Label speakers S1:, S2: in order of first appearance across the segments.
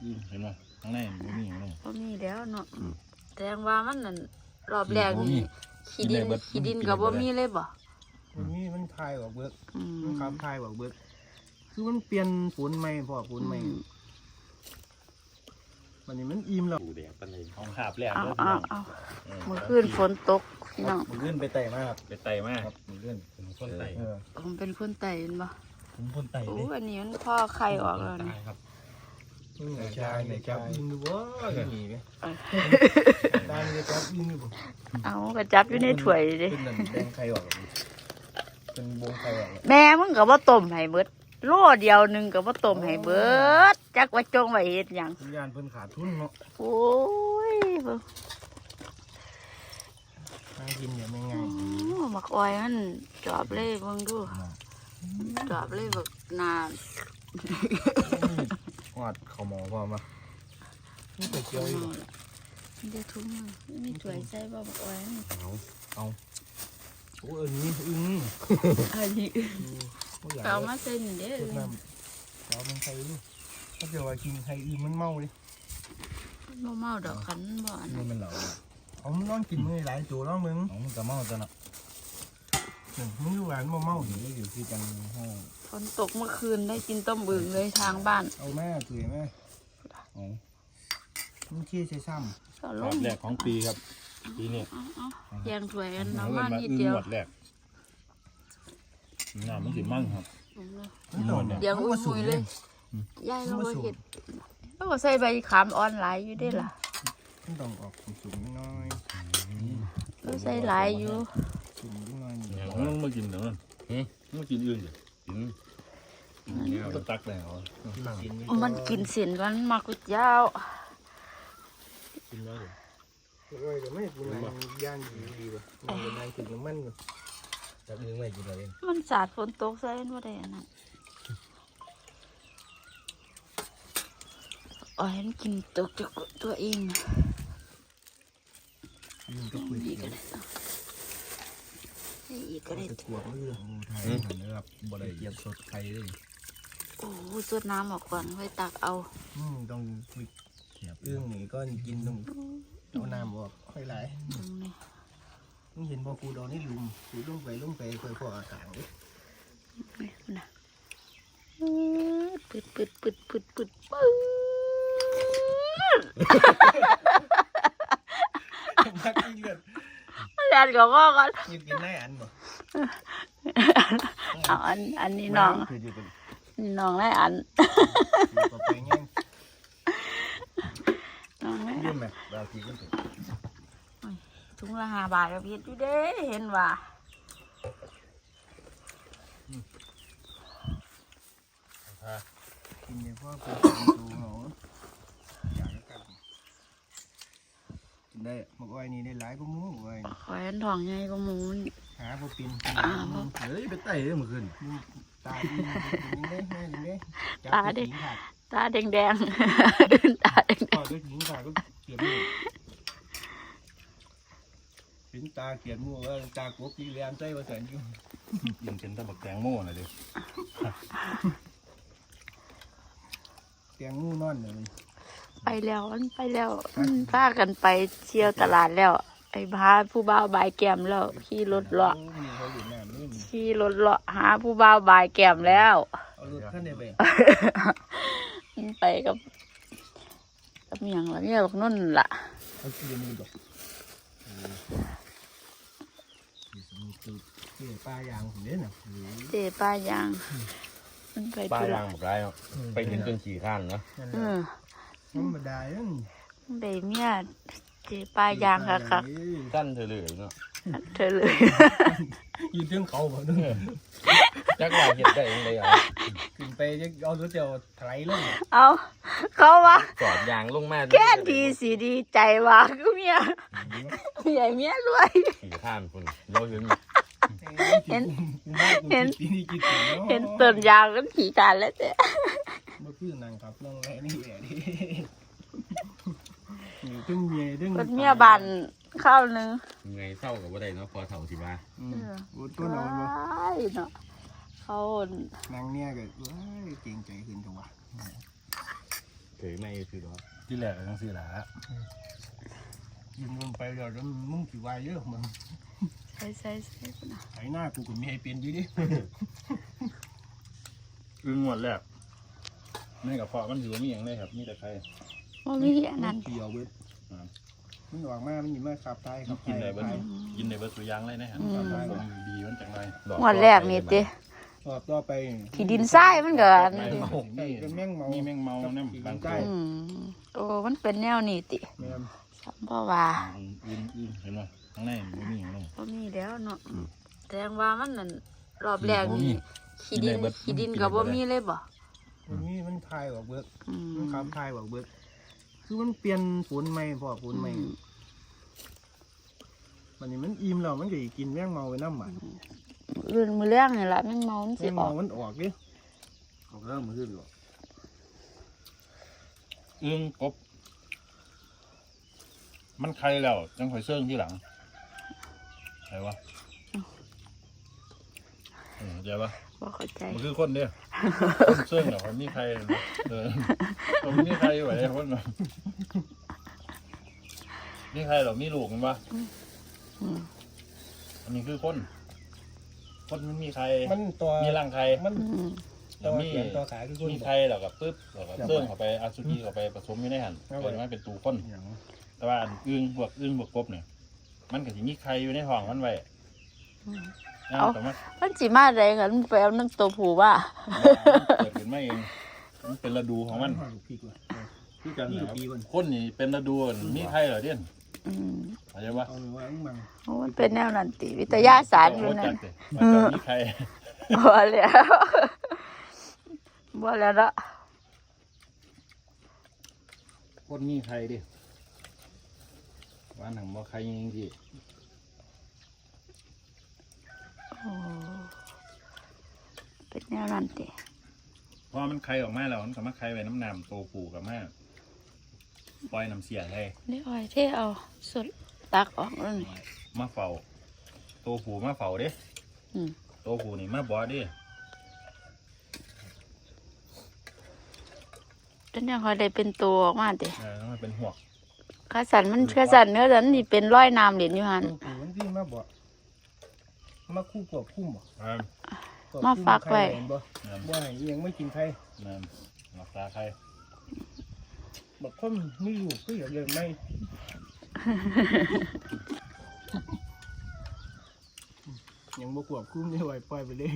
S1: เห็นไหมข้างในมันมีอย่างไร
S2: บ่มีแล้วเนาะแสดงว่ามันนั่นรอบแรกนี่ขี้ดินก็บ่มีเลยบ่
S3: มันมีมันคายออกเบิกมันคำคายออกเบิกคือมันเปลี่ยนฝุ่นใหม่พอฝุ่นใหม่วันนี้มันอิ่มแล้ว
S1: ดูแดดปันเลยของขาบแรก
S2: เอา
S1: เลย
S2: เมื่อคืนฝนตกพี่น้อง
S3: มันขึ้นไปไต่มาก
S1: ไปไต่มากครับมันเลื่อนเป็นคนไต่
S2: ผมเป็นคนไต่เห็นบ่
S1: ผมคนไต่
S2: โอ้
S1: เลย
S2: อันนี้มันพ่อไข่ออกแล้วนี่
S1: ครับ
S3: ไหนชายไหนจับอินดูวะอย่างนี้ไหมได้เลยจับอินดูบ่
S2: เอากระจับอยู่ในถ้วยดิ
S3: เป็นนั่นแดงไข่ออกเป็นวงไข่ออก
S2: แม่มึงก็บ่ต้มให้เบิดโลเดียวนึงก็บ่ต้มให้เบิดจักว่าจงไว้เฮ็ดหยัง
S3: สัญญาณเพิ่นขาดทุนเนาะ
S2: โอ้ยเบิ่ง
S3: นั่งกินอย่างไม่ง่าย
S2: มักอ้อยมันจอบเลยเบิ่งดูจอบเลยบักนาน
S3: หอดข้าวหมอพอมานี่ไปเกี่ยวอยู่
S2: เดี๋ยวทุ่มมีถ้วยใส่บ่มักอ้อยนี่
S3: เอาโอ้นี่อึ้ง
S2: อันนี้เอามาใส่นี่เด้อ
S3: น้ำเรามันไข่ลูกถ้าเกิดว่ากินไข่อึ้งมันเมาเลย
S2: บ่เมาดอกคันบ่อันนั้น
S1: มันเหล่า
S3: เอามันน้องกินมือหลายตัวน้องมึง
S1: ของมันกระเมาจะเนาะ
S3: มึงอยู่หลานบ่เมา
S1: อยู่อยู่ที่จังห้อง
S2: ฝนตกเมื่อคืนได้กินต้มบึงเลยทางบ้าน
S3: เอาแม่ตุ๋ยแม่
S1: อ๋อ
S3: มึงขี้ใส่ซ้
S2: ก็ล
S1: รอง บแรกของปีครับปีนี้
S2: เอาแยงถ้วยกันเอามานิดเดียว
S1: หมดแรกน้ำมันสิมั่งครับ
S3: ำ
S1: หมดเนี่ย
S2: เดี๋ยวอุ้ยเลยยายเราบ่เห็ดแล้วก็ใส่ใบขามออนไลน์อยู่ได้ล่ะ
S3: มันต้องออกสุ่มๆน้อย
S2: เราใส่หลายอยู่
S3: สุ่มน้อย
S1: เนี่ยมันมากินเดี๋ยวนั้นมากินอื่นสิกินเนี่ยก็ตักแล้ว
S2: มันกินเสียนกันมากกุเจ้า
S1: กินแล้วเลย
S3: โอ้ยแต่ไม่กินอะไรย่างดีว่ะมันเป็นนายกินน้ำมันว่ะจับอึ้งไม่กินอะไร
S2: มันสาดฝนตกใส่บ่ได้อันนั้นอ๋อเห็นกินตกจากตัวเองนะ
S3: อึ้งก็คุย
S2: อีก
S3: กั
S2: ก็
S3: น
S2: ได้อีกก็ได้
S3: จะขวบมือไทยนะครับบ่ได้เกียบสดไข่เลย
S2: โอ้สดน้ำออกก่อนไว้ตักเอา
S3: ต้องคุยอึ้งนี่ก็กินต้องเอาน้ำออกค่อยไหล
S2: ตรงนี้
S3: มึงเห็นบ่กูดอนนี่ลุมกูลงไปค่อยพออากาศเลย
S2: นี่นะปึ๊ดปึ๊ดปึ๊ดปึ๊ดปึ๊ดปึ๊ด
S3: นักเลือด
S2: เรียนกับพ่อก่อน
S3: ยิกินได้อันบ่
S2: เอาอันนี้น้องนี่น้องได้อัน
S3: ต่อไปแง่ง
S2: น้องได้
S3: ยืมไหมเรากินกันถึง
S2: ถุงละ5 บาทกับพีชอยู่เด้เห็นว่า
S3: กินเนี่ยพ่อกูดูเหรออยากกันกินได้หมกอ้อยนี่ได้หลายก็มู้อ้อย
S2: ขอยอันทองใหญ่ก็หมูน
S3: หาบ่ปิน
S1: เฮ้ยไปไต่เลยเมื่อคืน
S3: ตาดีกินได้แม่กินได้จับหญิงขาด
S2: ตาแดงๆตาแดง
S3: พอด้วยหญิงขาดก็เกลียดมูถึงตาเกลียดมูว่าตากบกีเรียนใจว่าแสนอยู่
S1: ยิงเป็นตะบักแตงโม่หน่อยดิ
S3: เตียงงูนอนเลย
S2: ๆไปแล้วมันไปแล้วพากันไปเที่ยวตลาดแล้ว ไอ้พาผู้บ่าวบายแก้มแล้วขี่รถเลาะ
S3: มีเขาอยู่น้ำนี่
S2: ขี่รถเลาะหาผู้บ่าวบายแก้มแล้ว
S3: เอารถขึ้นได้ไป
S2: ไปกับเมียงละเมียบอกนุ่นล่ะ
S3: เอาขี้มือดอกคือปลายางผมเนี่ยนะ
S2: เจ๊ป้ายางมันไป
S1: ป้า
S2: ธุ
S1: ยา
S2: ระ
S1: งแบบไรเนาะไปเห็นจนขี่ข้านเนาะ
S3: ธรรมดาเนี่ย
S2: ได้เมียเจ๊ป้ายางค่ะค่ะ
S1: สั้นเธอเลยเนาะ
S2: เธอเลย
S3: ยืนเทิงเขาบ่นึง
S1: จักว่าเห็ดได้ยังไงอ่ะ
S3: ขึ้นไปจะเอารถเดียวไถลง
S2: เอาเขาว่า
S1: จอดยางลงมา
S2: แค่ทีสีดีใจว่าก็เมียใหญ่เมียรวย
S1: ขี่ข้านคุณเราเห็น
S2: เห็น
S3: เห็น
S2: ต้นยางก็ขี่กันแล้วแต่
S3: บ่คือนางครับน้องแม่นี่แหละดิตึ้งเมียตึ้ง
S2: รถเมียบันข้าวนึง
S1: ไงเศร้ากับว่าได้เนาะพอเท่าสิบ้า
S3: ตัวน้องบ่
S2: เนาะเขา
S3: นางเนี่ยก็เก่งใจขึ้นจังวะ
S4: เฉยไม่คือหรอ
S1: ที่แรกทั้งสี่หลา
S3: ยิงลงไปเดี๋ยวมึงสิวายเยอะมึง
S2: ใส่พุ่นน่ะ
S3: ไถหน้ากูก็มีให้เป็นอยู่ดิ
S1: อึ้งงวดแรกในกระเพาะมันถือว่ามีอย่างไรครับมีแต่ใคร
S2: บ่มีอันนั้น
S3: เกี่ยวเบิดมันออกมามันยิงมาขับไทยขับไท
S1: กิน
S3: ย
S1: ได้เบิดกินได้เบิดตัวอยางเลยนะฮะผมดีมันจังไร
S2: งวดแรกนี่ติ
S3: รอบต่อไป
S2: ขี้ดินทรายมันก็อัน
S1: ไม่
S2: นี้
S1: เมา
S3: เป็นแมงเมา
S1: มีแมงเมาเนี่ยบางตัว
S2: โอ้มันเป็นแนวนี้ติ
S3: แม่น
S2: ซ้ำบ่ว่า
S1: อึ้งเห็นไหมข้างในมันมีอย่างไร
S2: บ่มีแล้วเนาะแสดงว่ามันนั่นรอบแรกนี่ขี้ดินก็บ่มีเลยบ่
S3: วันนี้มันทายออกเบิด
S2: อืม
S3: มันขับทายออกเบิดคือมันเปลี่ยนฝุ่นใหม่พอฝุ่นใหม่วันนี้มันอิ่มแล้วมันก็สิกินแมงเมาไปน้ำหมัน
S2: อื่นมื้อแรงนี่ล่ะแม่งเมามัน
S3: แม
S2: สิ
S3: ง
S2: ออ
S3: เมาก มันออกดิ
S4: เขาเริ่มมาขึ้นหรอ
S1: อึ้งกบมันใครแล้วจังคอยเสื่องที่หลังใครวะเดี๋ยวปะ
S2: บ่เข้าใจ
S1: มันคือคนเดียวเสื่องแต่คนมีใครคนมีใครไหวคนแบบมีใครหรอมีลูกมันปะอันนี้คือคนมันมีใคร
S3: มันตัว
S1: มีร่างใคร
S3: มัน
S1: แล้วมี
S3: เขียนตัวขาคือคน
S1: มีใครแล้วก็ปึ๊บแล้วก็เสื่องเข้าไปอาซูจิเข้าไปผสมอยู่ในหันเกิดมาเป็นตูคน
S3: อย่าง
S1: แต่ว่าอันอึ้งบวกกบเนี่ยมันก็สิมีใครอยู่ในท้องมันไว้แต่ว่า
S2: มันสิมาได้กันมันไปเอาน้ำตัวผู้ว่า
S1: เกิดขึ้นมาเองมันเป็นฤดูของมัน
S3: ลูกพี่กู
S1: คือกัน
S3: นี่
S1: นะ
S3: ลูก
S1: ครับ
S3: พี่กู
S1: คนนี่เป็นฤดูมีใครเหรอเด่น
S2: อืม
S1: เข้าใจปะ
S3: เอาหนูว่าอึ้งมัง
S2: โอ้มันเป็นแนวนั้นติวิทยาศาสตร์อยู่
S1: จั
S2: นั่
S1: ด
S2: น
S1: เลยมันจะมีใคร
S2: บ่แล้วบ่แล้วเนาะ
S1: คนมีใครดิว่าหนังบ่ใครจริงๆ
S2: โอ้เป็นแนวนั้นติ
S1: พอมันใครออกมาแล้วมันก็มาใครไว้น้ำน้ำโตปูกับมาปล่อยน้ำเสียให้
S2: นี่อ้อยเทเอาสุดตักออกแล้วนี่
S1: มาเฝ้าโตปูมาเฝ้าเด้
S2: อืม
S1: โตปูนี่มาบ่เด้
S2: จนยังค่อยได้เป็นตัวออกมาติ
S1: มันเป็นหัว
S2: ข้าสันมันข้าสันเนื้อสันนี่เป็นร้อยน้ำเหรียญอยู่หั่น
S3: ตัวกูมันพี่มาบ่มาคู่กบคุ้มบ่
S2: มาฝากไว้
S3: บ่บ่ให้ยังไม่กินไข่
S1: นั่นรักษาใคร
S3: บอกคนไม่อยู่ก็อย่าเลยไม่ยังบ่ควบคุมได้ไว้ปล่อยไปเลย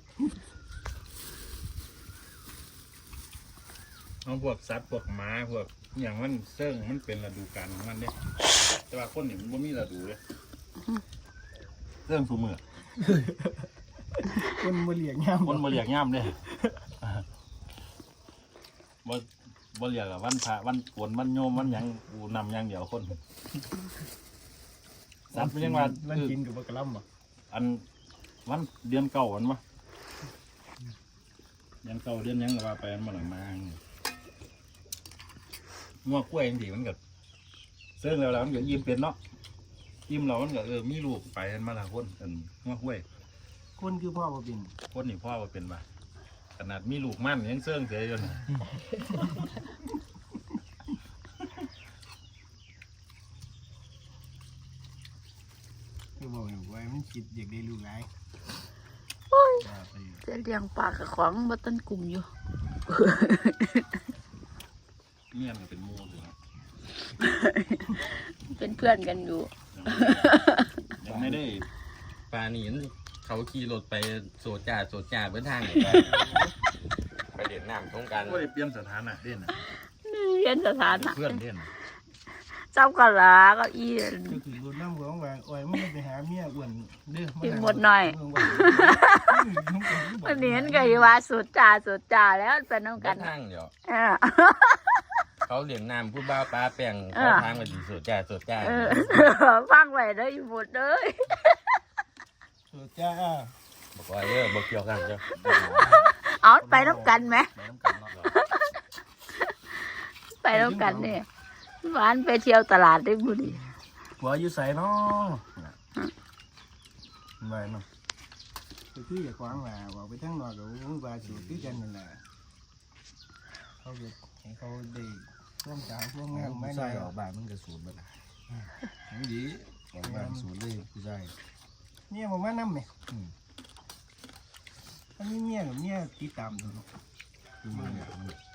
S1: เอาพวกสัตว์พวกหมาพวกอย่างมันเสื่องมันเป็นฤดูกาลของมันเนี่ยแต่ว่าคนนี่มันบ่มีฤดูเลยเสื่องสูมือ
S3: คนบ่เลี้ยงยาม
S1: คนบ่เรียกย่ำเลยบ่เรียกอะวันพระวันโกนวันโยมวันหยังกูนำหยังเดียวคนสัตว์มันยังว่า
S3: มันกินกับบ่กระลำบ่
S1: อันวันเดือนเก่าวันวะเดือนเก่าเดือนหยังก็ว่าไปมันบ่หลังมางัวกล้วยจังซี่มันก็เสื่องแล้วมันก็ยิ้มเป็นเนาะยิ้มแล้วมันก็มีลูกไปกันมาละคนอันงัวกล้วย
S3: คนคือพ่อบ่เป็น
S1: คนนี่พ่อว่าเป็นมาขนาดมีลูกมั่นยังเสื่องเสียอยู่นะ
S3: คือบอกไว้มันคิดอยากได้ลูกหลาย
S2: โอ้ย
S1: ว่าไปอยู่
S2: จะเลี้ยงปลากับของบ่ต้นกลุ่มอยู่
S1: เมียนก็เป็นหมูอยู่ครับ
S2: เป็นเพื่อนกันอยู่
S1: ยังไม่ได้
S4: ปลาหนีนเขาขี่รถไปโซจ่าเบื้องทางไปเด่นน้ำตรงกัน
S1: ก็ได้เปลี่ยนสถานะเด่นน่ะ
S2: เรียนสถานะ
S1: เพื่อนเด่นน่ะ
S2: เจ้าก็ลาก็อี
S3: ก็คือรถน้ำของว่าอ้อยมันไปหาเมียอ้วนเด้อ
S2: กินหมดหน่อยวันนี้มันก็อยู่ว่าสุดจ่าแล้วเป็นน้อง
S4: กั
S2: กัน น
S4: ทางเดี๋ยว
S2: เออ
S4: เขาเด่นน้ำผู้บ้าปลาแป้งเขาทางมาดีโซจ่า
S2: เออฟังไว้เด้ออยู่หมดเด้อ
S3: จ้า
S4: บอกว่าบอกเกี่ยวกันเจ้า
S2: เอาไปน้ำกันไหม
S1: ไปน้ำกันเนาะ
S2: ไปน้ำกันเนี่ยหวานไปเที่ยวตลาดได้บุรี
S1: หัวอยู่ใส่เนาะไปเนาะ
S3: คืออย่าขวางว่าบอกไปทั้งนอกก็ว่าสิคือกันนั่นแหละเขาก็ให้เขาได้ร่วมสาวร่วมงาน
S5: ผู้
S3: ไม่
S5: ชา
S3: ได้
S5: ยออกบ้านมันก็สูญไปละไม่ดีออกบ้านสูญเลยผู้ชาย
S3: เนี่ยผมว่าน้ำไหมถ้ามีเมียกับเมียติดตามดูเนาะ
S5: คือมันเนี่ยมัน